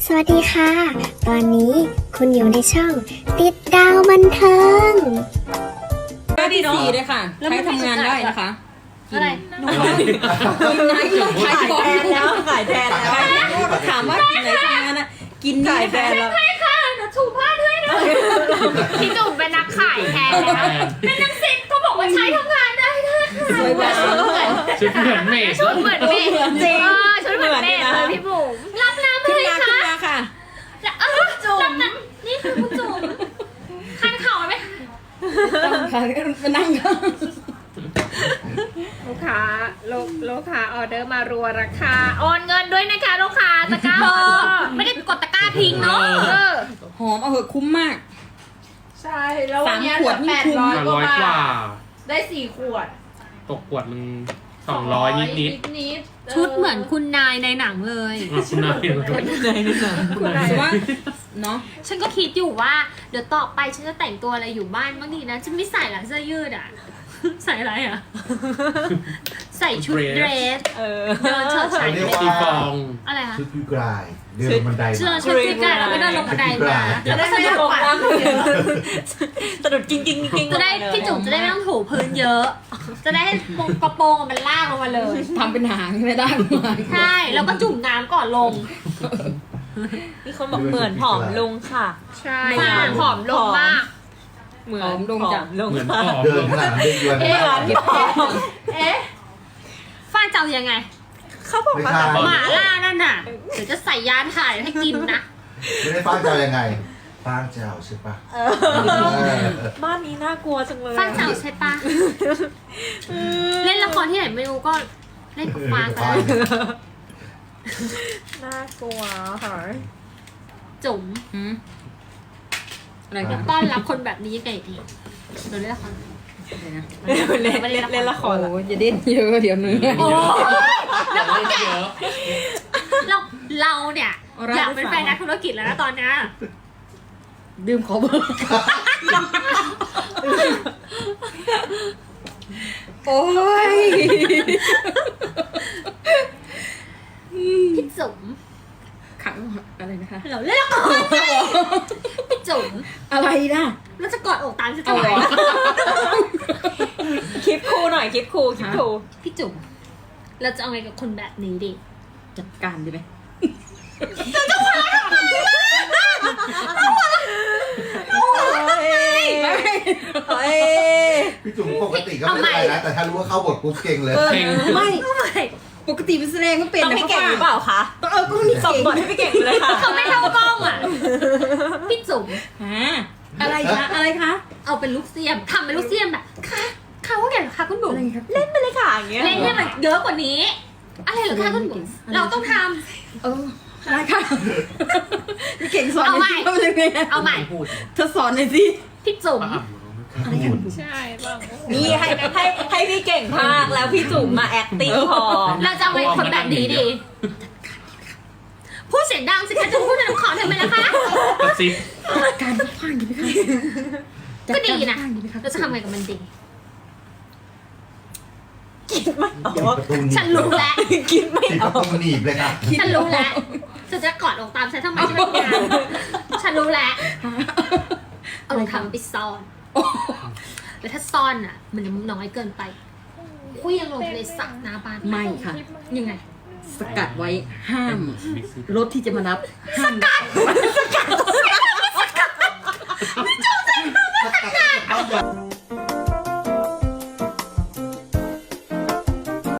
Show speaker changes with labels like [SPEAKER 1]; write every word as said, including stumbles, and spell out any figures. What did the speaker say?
[SPEAKER 1] สวัสดีค่ะ ตอนนี้คุณอยู่ในช่องติดดาวบันเทิง
[SPEAKER 2] ก็ดีสี่เลยค่ะใช้ทำงานได้นะคะ
[SPEAKER 3] อะไร
[SPEAKER 2] กินไหนขายแทนแล้วขายแทนแล้วถามว่ากินไหนทำงานอะกินขายแทนแล้ว
[SPEAKER 3] ใช่ค่ะเดี๋ยวถูกพลาดให้หน่อยพี่จุ๋มเป็นนักขายแทนนะเป็นนักศิษย์ก็บอกว่าใช้ทำงานได้ด้วยค่ะ
[SPEAKER 2] สวยแบบเหมือน
[SPEAKER 4] ชุดเหมือนเมด
[SPEAKER 3] ชุดเหมือนเมย์จริงชุดเหมือนเมย์เลยพี่บุ๋มรับน้ำ
[SPEAKER 2] ขึ้น
[SPEAKER 3] เลย
[SPEAKER 2] มาขึ้น
[SPEAKER 3] ค่ะ
[SPEAKER 2] มาค่ะ
[SPEAKER 3] เออจุ๋มนี่คือคุณจุ๋มคันเข่าไหม
[SPEAKER 2] ค่ะมานั่ง
[SPEAKER 3] ลูกค้าลูกลูกค้าออเดอร์มารัวราคาโอนเงินด้วยนะคะลูกค้าตะกร้าไม่ได้กดตะกร้าทิ้งเนาะเออ
[SPEAKER 2] หอมเอาเหอะคุ้มมาก
[SPEAKER 5] ใช่แล้ววันนี้
[SPEAKER 2] สามขวดนี่
[SPEAKER 5] แปด
[SPEAKER 2] คุ้ม
[SPEAKER 5] ร้อยก
[SPEAKER 4] ร้
[SPEAKER 5] ว่า
[SPEAKER 4] อยกว่า
[SPEAKER 5] บาทได้สี่ขวด
[SPEAKER 4] ตกขวดมันสองร้อยนิดนิด
[SPEAKER 5] นิดๆ
[SPEAKER 3] ชุดเหมือนคุณนายในหนังเลย
[SPEAKER 4] ๆคุณนาย
[SPEAKER 2] แต่ว่าเนาะ
[SPEAKER 3] ฉันก็คิดอยู่ว่าเดี๋ยวต่อไปฉันจะแต่งตัวอะไรอยู่บ้านบ้างดีนะฉันไม่ใส่หลังเสื้อยืดอ่ะ ใส่อะไรอ่ะ ใส่ชุดเดรสเดินเฉิดฉาย
[SPEAKER 4] ตีฟอง
[SPEAKER 3] อะไรคะ
[SPEAKER 6] ชุดยูกรายเดินบันได
[SPEAKER 3] เชื่อ
[SPEAKER 6] มา
[SPEAKER 3] ชุดที่กันแล้วก็เดินลงบันไดมาแล้วก็สะดุดกว่า
[SPEAKER 2] สะดุดกิ้งกิ้งกิ้ง
[SPEAKER 3] จะได้พี่จุ๋มจะได้ไม่ต้องถูพื้นเยอะ จะได้ให้กระโปรงมันลากลงมาเลย
[SPEAKER 2] ทำเป็นหางไม่ได้มา
[SPEAKER 3] ใช่แล้วก็จุ่มน้ำก่อนลง
[SPEAKER 7] มีคนบอกเหมือนผอมลงค่ะ
[SPEAKER 3] ใช่ผอมลงมาก
[SPEAKER 2] เหมือนดงจัง
[SPEAKER 7] ลง
[SPEAKER 4] เหมือน
[SPEAKER 7] ค่ะ
[SPEAKER 4] ปอบ
[SPEAKER 6] เดินขนาดนั้นเดินยวน
[SPEAKER 7] เหมือนพี่ผอม
[SPEAKER 3] เอ๊ะฟ้าเจ้ายังไง
[SPEAKER 7] เขาบอก
[SPEAKER 6] ไม่
[SPEAKER 7] ว่า
[SPEAKER 6] ใช่
[SPEAKER 3] หมาล่านั่นน่ะ เดี๋ยวจะใส่ยาถ่ายให้กินนะ
[SPEAKER 6] ไม่ได้ฟ้างเจ้ายังไงฟ้างเจ้าใช่ปะเออ
[SPEAKER 7] บ้านนี้น่ากลัวจังเลย
[SPEAKER 3] ฟ้าเจ้าใช่ปะเล่นละครที่ไหนไม่รู้ก็เล่นกับฟ้ากัน
[SPEAKER 7] น่ากลัวค่ะ
[SPEAKER 3] จุ๋ม
[SPEAKER 2] หืมอะไร
[SPEAKER 3] จะ
[SPEAKER 2] กัน
[SPEAKER 3] ต้อนรับคนแบบนี้ยังไงดีเราเล่นละคร
[SPEAKER 7] เล่นเล่นเล่นละคร
[SPEAKER 2] โอ้ยจะเด่นเยอะเดี๋ยวเนื้อ
[SPEAKER 3] แล้วก็แกเราเราเนี่ย
[SPEAKER 2] เอาละ
[SPEAKER 3] อยากเป็นแฟนนักธุรกิจแล้วนะตอนนี้
[SPEAKER 2] ดื่มขอเบอร์โอ้ย
[SPEAKER 3] พี่จุ๋ม
[SPEAKER 2] ขังอะไรนะคะ
[SPEAKER 3] เราเล่นละครพี่จุ๋ม
[SPEAKER 2] อะไรนะ
[SPEAKER 3] เราจะกอดอกตามฉันทำไม
[SPEAKER 7] คลิปครูหน่อยคลิปครูคลิปครู
[SPEAKER 3] พี่จุ๋มเราจะเอาไงกับคนแบบนี้ดิ
[SPEAKER 2] จัดการดีไหม
[SPEAKER 7] เฮ้ย
[SPEAKER 6] พี่จุ๋มปกติก็ไม่เป็นไรนะแต่ถ้ารู้ว่าเข้าบทปุ๊บเก่งเลย
[SPEAKER 4] เพลง
[SPEAKER 2] ไม่
[SPEAKER 3] ไม่
[SPEAKER 2] ปกติเป็นแสดงก็เป็น
[SPEAKER 7] ต้อง
[SPEAKER 2] นะ
[SPEAKER 7] พี่เก่งหรือเปล่าคะ
[SPEAKER 2] ต้องเออก็มี
[SPEAKER 7] ส่ง
[SPEAKER 2] เก่ง
[SPEAKER 7] บทให้พี่เก่งเลยค่ะ
[SPEAKER 3] เขาไม่เท่ากล้องอ่ะพี่จุ๋ม
[SPEAKER 2] ฮะอะไรคะอะไรคะ
[SPEAKER 3] เอาเป็นลูกเสียมทำเป็นลูกเสียมแบบค่ะค่ะว่าไงเหรอคะคุณบุ๋ม
[SPEAKER 2] อะไรครับ
[SPEAKER 7] เล่นไปเลยค่ะอย่างเงี้ย
[SPEAKER 3] เล่นให้มันเยอะกว่านี้ อะไรเหรอคะคุณบุ๋มเราต้องท
[SPEAKER 2] เออได้ค่ะพี่เก่งสอน
[SPEAKER 3] เอาใหม่
[SPEAKER 2] หน่อยสิว่าเป็นยังไง
[SPEAKER 3] ำเอาใหม่
[SPEAKER 4] พูด
[SPEAKER 2] เธอสอนหน่อยสิ
[SPEAKER 3] พี่จุ๋ม
[SPEAKER 4] ป้าอ่ำ
[SPEAKER 2] อะไรกัน
[SPEAKER 3] ใช่ป่ะ
[SPEAKER 7] นี่ให้ให้ให้พี่เก่งพากแล้วพี่จุ๋มมา acting พอ
[SPEAKER 3] เราจะเอาไงคนแบบนี้ดีพูดเสียงดังสิคะจะพูดในน้ำขอทำไมล่ะคะ
[SPEAKER 4] กระซิบ
[SPEAKER 2] การพังดีไหมคะ
[SPEAKER 3] ก็ดีนะ
[SPEAKER 2] จัการพังดีไหมคะ
[SPEAKER 3] เราจะทำไงกับมันดี
[SPEAKER 7] คิดไม่อ
[SPEAKER 6] ติด
[SPEAKER 7] อก
[SPEAKER 6] ประตูหนีบ
[SPEAKER 3] ฉันรู้แล้ว
[SPEAKER 7] คิดไม่
[SPEAKER 6] ติด
[SPEAKER 7] อ
[SPEAKER 6] ป
[SPEAKER 7] อ
[SPEAKER 6] ระ
[SPEAKER 7] ก
[SPEAKER 6] ตูหนีบเลยค่ะ
[SPEAKER 3] ฉันรู้แล้วจะจะกอดอกตามฉันทำไมฉันไม่งานฉันรู้แล้วเอารองเท้าไปซ่อน แล้วถ้าซ่อนอ่ะ มันน้อยเกินไปคุยยังลงในสระหน้าบ้าน
[SPEAKER 2] ไม่ค่ะ
[SPEAKER 3] ยังไง
[SPEAKER 2] สกัดไว้ห้าม รถที่จะมารับห้าม
[SPEAKER 6] สกัด